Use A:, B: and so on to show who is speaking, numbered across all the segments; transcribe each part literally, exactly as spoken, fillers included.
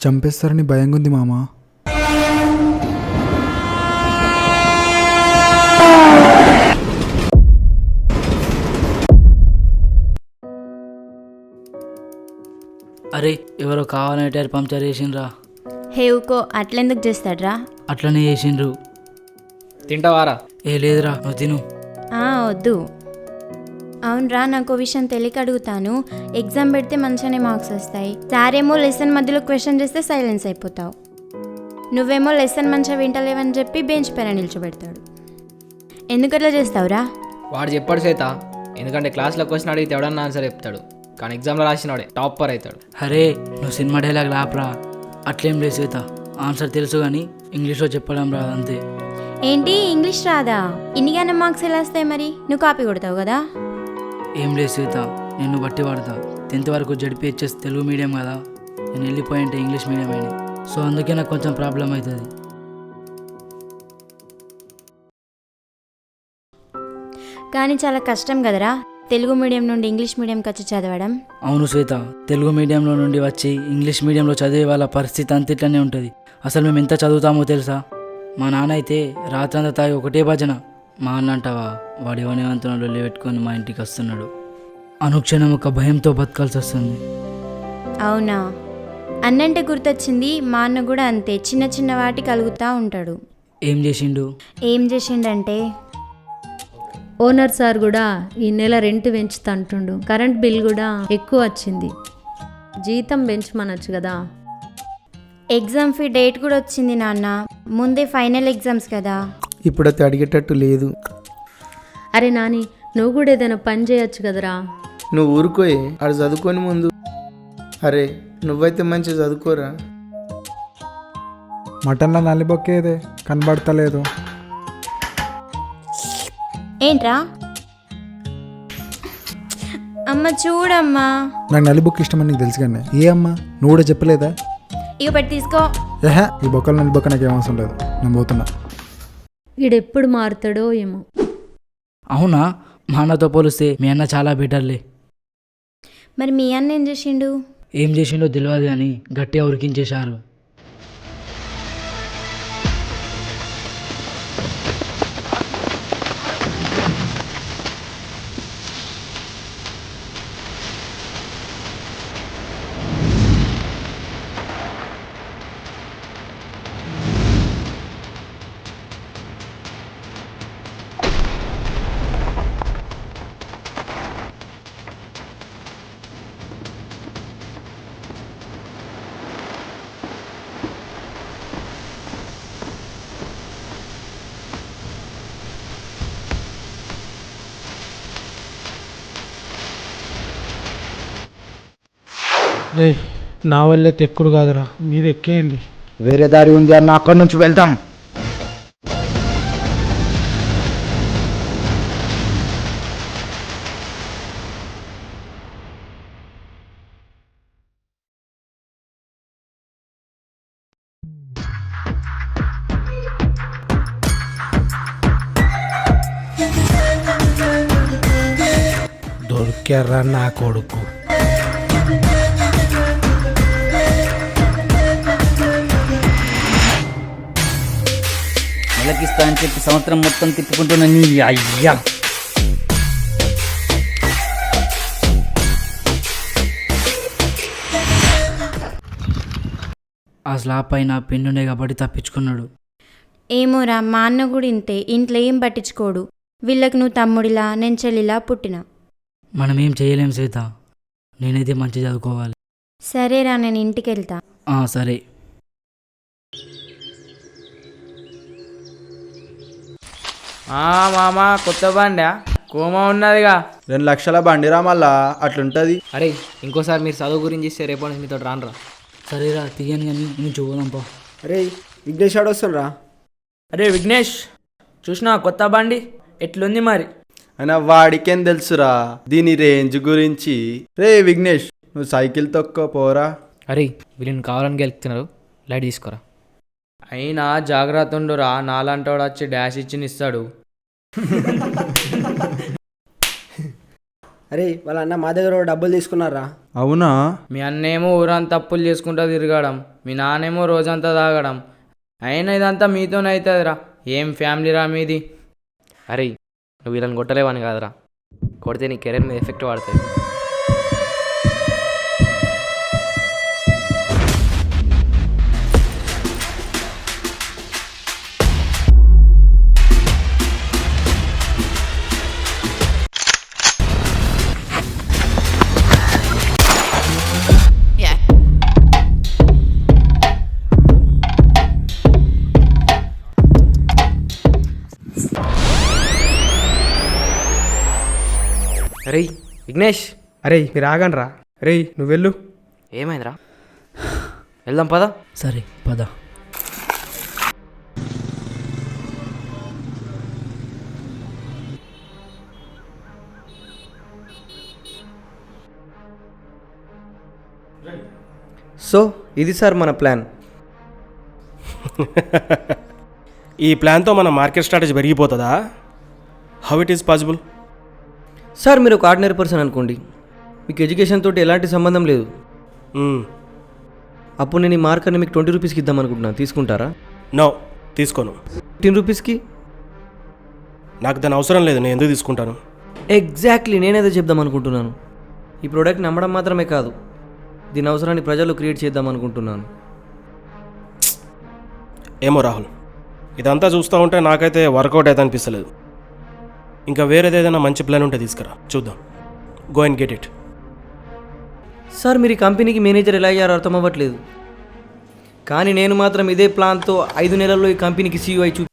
A: చంపేస్తారని భయంగా ఉంది మామ.
B: అరే ఎవరో కావాలని టైర్ పంక్చర్ చేసిండ్రా.
C: హే ఊకో, అట్లెందుకు చేస్తాడ్రా?
B: అట్లనే చేసిండ్రు.
D: తింటావారా?
B: ఏ లేదురా, నువ్వు తిను.
C: ఆ, వద్దు. అవునరా, నాకు విషయం తెలియక అడుగుతాను. ఎగ్జామ్ పెడితే మంచిగానే మార్క్స్ వస్తాయి. సారేమో లెసన్ మధ్యలో క్వశ్చన్ చేస్తే సైలెన్స్ అయిపోతావు. నువ్వేమో లెసన్ మంచిగా వింటలేవని చెప్పి బెంచ్ పైన నిల్చోబెడతాడు. ఎందుకు అట్లా చేస్తావురా?
D: వాడు చెప్పాడు శ్వేత, ఎందుకంటే క్లాస్లో క్వశ్చన్ అడిగితే ఎవడన్నా ఆన్సర్ చెప్తాడు, కానీ ఎగ్జామ్లో రాసినవాడే టాపర్ అవుతాడు.
B: అరే నువ్వు సినిమా డైలాగ్ లాపరా. అట్లేం లేదు శ్వేత, ఆన్సర్ తెలుసు కానీ ఇంగ్లీష్లో చెప్పడం రాదు అంతే.
C: ఏంటి ఇంగ్లీష్ రాదా? ఇన్నిగానే మార్క్స్ ఎలా వస్తాయి మరి? నువ్వు కాపీ కొడతావు కదా.
B: ఏం లేదు శ్వేత, నిన్ను బట్టి వాడతా. టెన్త్ వరకు జడ్పీహెచ్ఎస్ తెలుగు మీడియం కదా, నేను వెళ్ళిపోయింటే ఇంగ్లీష్ మీడియం అయినా, సో అందుకే నాకు కొంచెం ప్రాబ్లం అవుతుంది.
C: కానీ చాలా కష్టం కదరా తెలుగు మీడియం నుండి ఇంగ్లీష్ మీడియంకి వచ్చి చదవడం.
B: అవును శ్వేత, తెలుగు మీడియంలో నుండి వచ్చి ఇంగ్లీష్ మీడియంలో చదివే వాళ్ళ పరిస్థితి అంత ఇట్లనే ఉంటుంది. అసలు మేము ఎంత చదువుతామో తెలుసా? మా నాన్న అయితే రాత్రంతా తాగి ఒకటే భజన. మా అన్న అంటావా, వాడు ఎవరివంతునలో పెట్టుకొని మా ఇంటికి వస్తున్నాడు. అనుక్షణం ఒక భయంతో బతకాల్సి వస్తుంది.
C: అవునా? అన్నంటే గుర్తొచ్చింది, మా అన్న కూడా అంతే, చిన్న చిన్న వాటి కలుగుతూ ఉంటాడు.
B: ఏం చేసిండు?
C: ఏం చేసిండంటే,
E: ఓనర్ సార్ కూడా ఈ నెల రెంట్ పెంచుతా అంటుండు. కరెంట్ బిల్ కూడా ఎక్కువ వచ్చింది. జీతం పెంచమనొచ్చు కదా.
C: ఎగ్జామ్ ఫీ డేట్ కూడా వచ్చింది నాన్న, ముందే ఫైనల్ ఎగ్జామ్స్ కదా.
A: ఇప్పుడైతే అడిగేటట్టు లేదు.
E: అరే నాని, నువ్వు కూడా ఏదైనా పని చేయొచ్చు కదరా.
F: నువ్వు ఊరుకోయి, ఆడు చదువుకొని ముందు. అరే నువ్వైతే మంచిగా చదువుకోరా.
A: మటన్లో నలిబొక్కేదే కనబడతలేదు.
C: ఏంట్రా? అమ్మ చూడమ్మా.
A: నాకు నలి బొక్క ఇష్టమని నీకు తెలుసు కానీ ఏ అమ్మా నువ్వు కూడా చెప్పలేదా?
C: ఇక పెట్టి తీసుకో.
A: ఏహా, ఈ బొక్కలు నలి బొక్క నాకు ఏం అవసరం లేదు, నేను పోతున్నా.
E: ఈడెప్పుడు మారుతాడో ఏమో.
B: అవునా? మా అన్నతో పోలిస్తే మీ అన్న చాలా బెటర్లే.
C: మరి మీ అన్న ఏం చేసిండు?
B: ఏం చేసిండో తెలియదు కానీ గట్టిగా ఉరికించేశారు.
G: రే, నా వల్లే తెక్కుడు కాదురా, మీరు ఎక్కేయండి.
H: వేరే దారి ఉంది అన్న, అక్కడి నుంచి వెళ్తాం.
G: దొరికారా నా కొడుకు.
B: నెలకిస్తా అని చెప్పి సంవత్సరం మొత్తం తిప్పుకుంటున్నా నీ అయ్యా. ఆ స్లాబ్ పైన పెన్నునే కాబట్టి తప్పించుకున్నాడు.
C: ఏమోరా, మా అన్న కూడా ఇంతే, ఇంట్లో ఏం పట్టించుకోడు. వీళ్ళకి నువ్వు తమ్ముడిలా, నేను చెల్లిలా పుట్టిన.
B: మనం ఏం చేయలేం సీత, నేనైతే మంచి చదువుకోవాలి.
C: సరేరా, నేను ఇంటికి వెళ్తా.
B: సరే.
D: మామా కొత్త బండా కోమా ఉన్నదిగా.
F: రెండు లక్షల బండిరా మళ్ళా అట్లుంటుంది.
D: అరే ఇంకోసారి మీరు చదువు గురించి ఇస్తే రేపు నుంచి మీతో రానరా.
B: సరేరా, తీయని కానీ నేను చూడదాంపా.
F: అరే విఘ్నేష్ ఆడు వస్తుండ్రా.
D: అరే విఘ్నేష్, చూసినా కొత్త బండి ఎట్లుంది మరి?
F: అయినా వాడికేం తెలుసురా దీని రేంజ్ గురించి. రే విఘ్నేష్, నువ్వు సైకిల్ తొక్క పోరా.
D: అరే వీళ్ళని కావాలని గెలుపుతున్నారు, లైట్ తీసుకోరా. అయినా జాగ్రత్త ఉండురా, నాలంటోడు వచ్చి డాష్ ఇచ్చి ఇస్తాడు.
I: అరే వాళ్ళ అన్న మా దగ్గర డబ్బులు తీసుకున్నారా?
F: అవునా?
D: మీ అన్నేమో ఊరంతా అప్పులు చేసుకుంటూ తిరగడం, మీ నాన్నేమో రోజంతా తాగడం. అయినా ఇదంతా మీతోనే అవుతుందిరా. ఏం ఫ్యామిలీరా మీది?
J: అరే నువ్వు వీళ్ళని కొట్టలేవని కాదురా, కొడితే నీ కెరీర్ మీద ఎఫెక్ట్ పడుతుంది. అరే విఘ్నేష్,
G: అరే మీరు ఆగండి రా. రే నువ్వు వెళ్ళు.
J: ఏమైందిరా? వెళ్దాం పదా.
B: సరే పద.
J: సో ఇది సార్ మన ప్లాన్.
K: ఈ ప్లాన్తో మన మార్కెట్ స్ట్రాటజీ పెరిగిపోతుందా? How it is possible?
J: Sir మీరు ఒక ఆర్డినరీ పర్సన్ అనుకోండి, మీకు ఎడ్యుకేషన్ తోటి ఎలాంటి సంబంధం లేదు. అప్పుడు నేను ఈ మార్కర్ని మీకు ట్వంటీ రూపీస్కి ఇద్దాం అనుకుంటున్నాను, తీసుకుంటారా?
K: నో, తీసుకోను.
J: ఫిఫ్టీన్ రూపీస్కి?
K: నాకు దాని అవసరం లేదు, నేను ఎందుకు తీసుకుంటాను?
J: ఎగ్జాక్ట్లీ నేనేదో చెప్దాం అనుకుంటున్నాను. ఈ ప్రోడక్ట్ని అమ్మడం మాత్రమే కాదు, దీని అవసరాన్ని ప్రజలు క్రియేట్ చేద్దాం అనుకుంటున్నాను.
K: ఏమో రాహుల్, ఇదంతా చూస్తూ ఉంటే నాకైతే వర్కౌట్ అయితే అనిపిస్తలేదు. ఇంకా వేరేది ఏదైనా మంచి ప్లాన్ ఉంటే తీసుకురా, చూద్దాం. Go and get it.
J: Sir మీరు ఈ కంపెనీకి మేనేజర్ ఎలా అయ్యారో అర్థం అవ్వట్లేదు, కానీ నేను మాత్రం ఇదే ప్లాన్తో ఐదు నెలల్లో ఈ కంపెనీకి సీఈఓ అయి చూ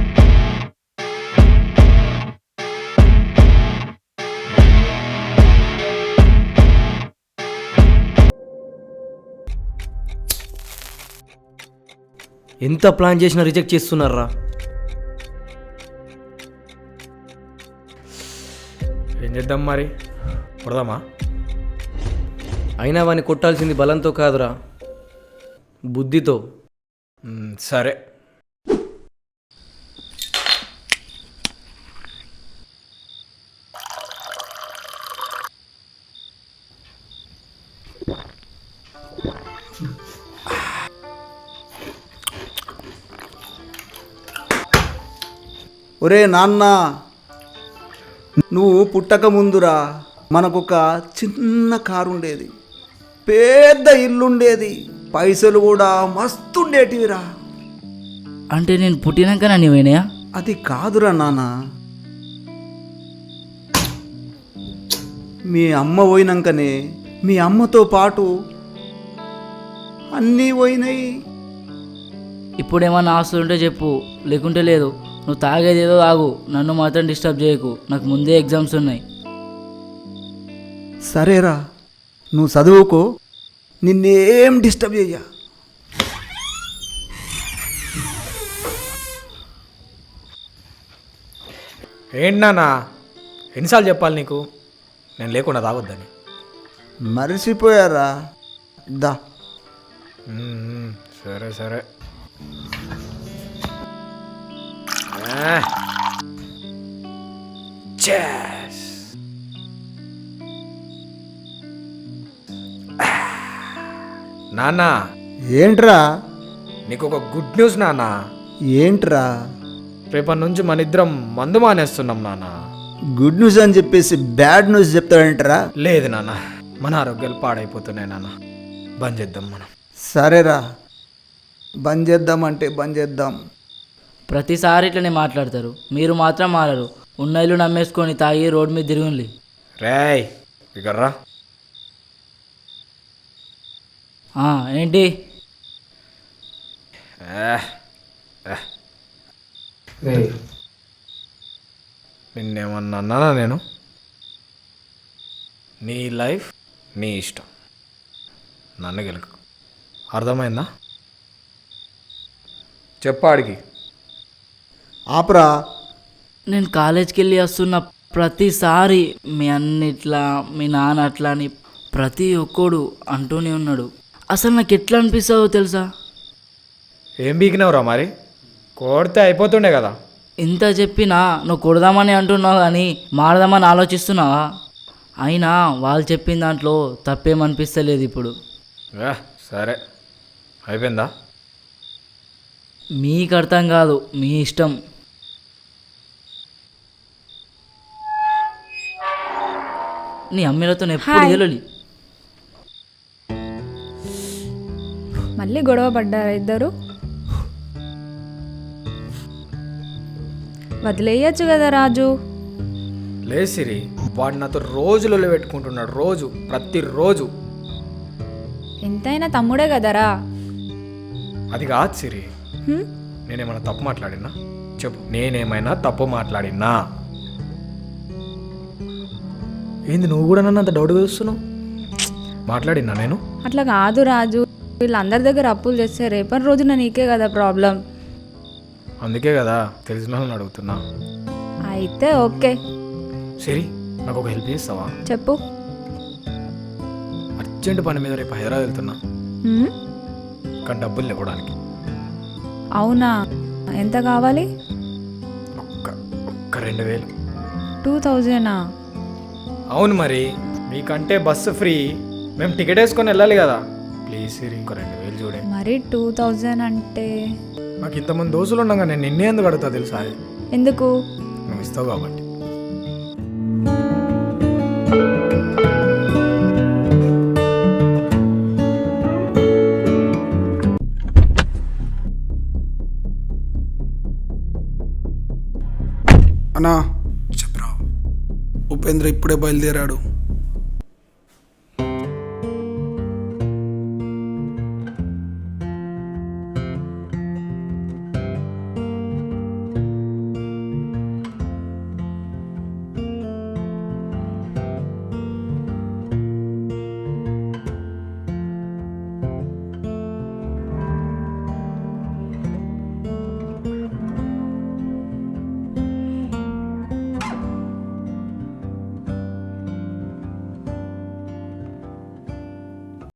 J: ఎంత ప్లాన్ చేసినా రిజెక్ట్ చేస్తున్నారా?
G: ఏం చేద్దాం మరి, కొడదామా?
J: అయినా వాడిని కొట్టాల్సింది బలంతో కాదురా, బుద్ధితో.
G: సరే.
F: ఒరే నాన్న, నువ్వు పుట్టక ముందురా మనకొక చిన్న కారు ఉండేది, పెద్ద ఇల్లుండేది, పైసలు కూడా మస్తుండేటివిరా.
B: అంటే నేను పుట్టినాక నన్ను పోయినాయా?
F: అది కాదురా నాన్న, మీ అమ్మ పోయినాకనే మీ అమ్మతో పాటు అన్నీ పోయినాయి.
B: ఇప్పుడు ఏమన్నా ఆస్తులు ఉంటే చెప్పు, లేకుంటే లేదు. నువ్వు తాగేది ఏదో తాగు, నన్ను మాత్రం డిస్టర్బ్ చేయకు, నాకు ముందే ఎగ్జామ్స్ ఉన్నాయి.
F: సరేరా, నువ్వు చదువుకో, నిన్నేం డిస్టర్బ్ చెయ్య.
G: ఏంటి నాన్న, ఎన్నిసార్లు చెప్పాలి నీకు నేను లేకుండా తాగొద్దని?
F: మరిచిపోయారా? దా.
G: సరే సరే. నాన్న,
F: ఏంట్రా?
G: నీకు ఒక గుడ్ న్యూస్ నాన్న.
F: ఏంట్రా?
G: రేపటి నుంచి మన ఇద్దరం మందు మానేస్తున్నాం నాన్న.
F: గుడ్ న్యూస్ అని చెప్పేసి బ్యాడ్ న్యూస్ చెప్తాడంటరా?
G: లేదు నాన్న, మన ఆరోగ్యాలు పాడైపోతున్నాయి నాన్న, బంద్ చేద్దాం మనం.
F: సరేరా, బంద్ చేద్దామంటే బంద్ చేద్దాం.
B: ప్రతిసారి ఇట్లనే మాట్లాడతారు, మీరు మాత్రం మారరు. ఉన్న ఇల్లు నమ్మేసుకొని తాగి రోడ్డు మీద తిరుగుండి.
G: రేయ్ ఇకర్రా.
B: ఏంటి?
G: నిన్నేమన్నా అన్నానా నేను? నీ లైఫ్ నీ ఇష్టం, నన్ను గెలుకు. అర్థమైందా? చెప్పాడికి.
F: ఆపరా.
B: నేను కాలేజ్కి వెళ్ళి వస్తున్న ప్రతిసారి మీ అన్నిట్లా మీ నాన్న అట్లా అని ప్రతి ఒక్కడు అంటూనే ఉన్నాడు. అసలు నాకు ఎట్లా అనిపిస్తుందో తెలుసా?
G: ఏం బీకినావురా మరి? కొడితే అయిపోతుండే కదా.
B: ఇంత చెప్పినా నువ్వు కొడదామని అంటున్నావు కానీ మారదామని ఆలోచిస్తున్నావా? అయినా వాళ్ళు చెప్పిన దాంట్లో తప్పేమనిపిస్తలేదు ఇప్పుడు.
G: సరే అయిపోయిందా?
B: మీకు అర్థం కాదు, మీ ఇష్టం. నీ అమ్మిలతో ఎప్పుడు గెలవాలి.
L: మళ్ళీ గొడవ పడ్డారా ఇద్దరు? వదిలేయచ్చు కదా రాజు.
G: లేదు సిరి, వాడు నాతో రోజులలో పెట్టుకుంటున్నాడు, రోజు ప్రతిరోజు.
L: ఎంతైనా తమ్ముడే కదరా.
G: అది కాదు సిరి,
L: హ్మ్?
G: నేనేమైనా తప్పు మాట్లాడినా చెప్పు, నేనేమైనా తప్పు మాట్లాడినా? ఏంది నువ్వు కూడా నన్ను అంత డౌట్గా చూస్తున్నావు? మాట్లాడినా నేను?
L: అట్లా కాదు రాజు, వీళ్ళందరి దగ్గర అప్పులు చేస్తే రేపటి రోజున నీకే కదా ప్రాబ్లం.
G: అందుకే కదా తెలిసిన వాళ్ళని అడుగుతున్నా.
L: అయితే ఓకే.
G: సరే, నాకు ఒక హెల్ప్ చేస్తావా?
L: చెప్పు.
G: అర్జెంట్ పని మీద రేపు హైదరాబాద్ వెళ్తున్నా,
L: హ్మ్?
G: కానీ డబ్బులు ఇవ్వడానికి.
L: అవునా, ఎంత కావాలి?
G: ఒక్క ఒక్క రెండు వేలు.
L: టూ థౌజండా?
G: అవును మరి, మీకంటే బస్సు ఫ్రీ, మేము టికెట్ వేసుకొని వెళ్ళాలి కదా. ప్లీజ్ సిరి, ఇంకో రెండు వేలు చూడే.
L: మరి టూ థౌజండ్ అంటే
G: నాకు ఇంతమంది దోస్తులు ఉండగా నేను నిన్నే ఎందుకు అడుగుతా తెలుసా?
L: ఎందుకు?
G: నువ్వు ఇస్తావు కాబట్టి.
A: అన్నా చెప్పరా, ఉపేంద్ర ఇప్పుడే బయలుదేరాడు.